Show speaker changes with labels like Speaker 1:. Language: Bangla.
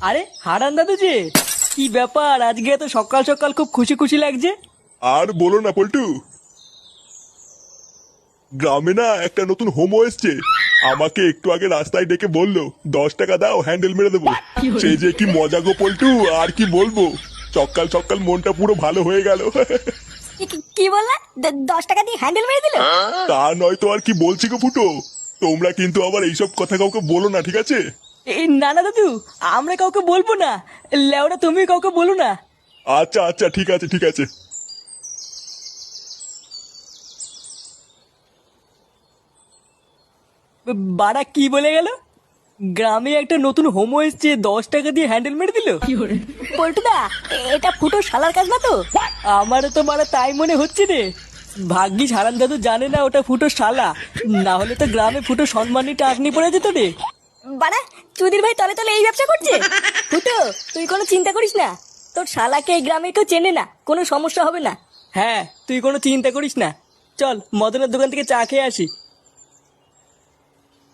Speaker 1: আরে হারান দাদু যে, কি ব্যাপার আজকে এত সকাল সকাল খুব খুশি খুশি লাগছে?
Speaker 2: আর বলো না পল্টু, গ্রামে না একটা নতুন হোমো এসছে। আমাকে একটু আগে রাস্তায় ডেকে বললো 10 টাকা দাও হ্যান্ডেল মেরে দেবো। সেই যে কি মজা গো পল্টু, আর কি বলবো। সকাল সকাল মনটা পুরো ভালো হয়ে গেল।
Speaker 3: কি বললা? 10 টাকা দিয়ে হ্যান্ডেল মেরে দিল?
Speaker 2: তা নয় তো আর কি বলছি গো ফুটো। তোমরা কিন্তু আবার এইসব কথা কাউকে বলো না, ঠিক আছে?
Speaker 1: এই না না দাদু, আমরা কাউকে বলবো না। লেওরা তুমি কাউকে বলো না।
Speaker 2: আচ্ছা আচ্ছা, ঠিক আছে ঠিক আছে।
Speaker 1: বাড়া কি বলে গেল? গ্রামে একটা নতুন হোমো এসছে, 10 টাকা দিয়ে হ্যান্ডেল মেরে দিল?
Speaker 3: পল্টুদা, এটা ফুটো শালার কাজ না তো?
Speaker 1: আমারও তো মারা তাই মনে হচ্ছে রে। ভাগ্যিস হারান দাদু জানে না ওটা ফুটো শালা, না হলে তো গ্রামে ফুটো সম্মানী টাকনি পড়ে যেত রে।
Speaker 3: বাড়া, চুদির ভাই তলে তলে এই ব্যবসা করছে। ফুটো, তুই কোনো চিন্তা করিস না। তোর শালাকে এই গ্রামে কেউ চেনে না, কোনো সমস্যা হবে না।
Speaker 1: হ্যাঁ, তুই কোনো চিন্তা করিস না। চল মদনের দোকান থেকে চা খেয়ে আসি।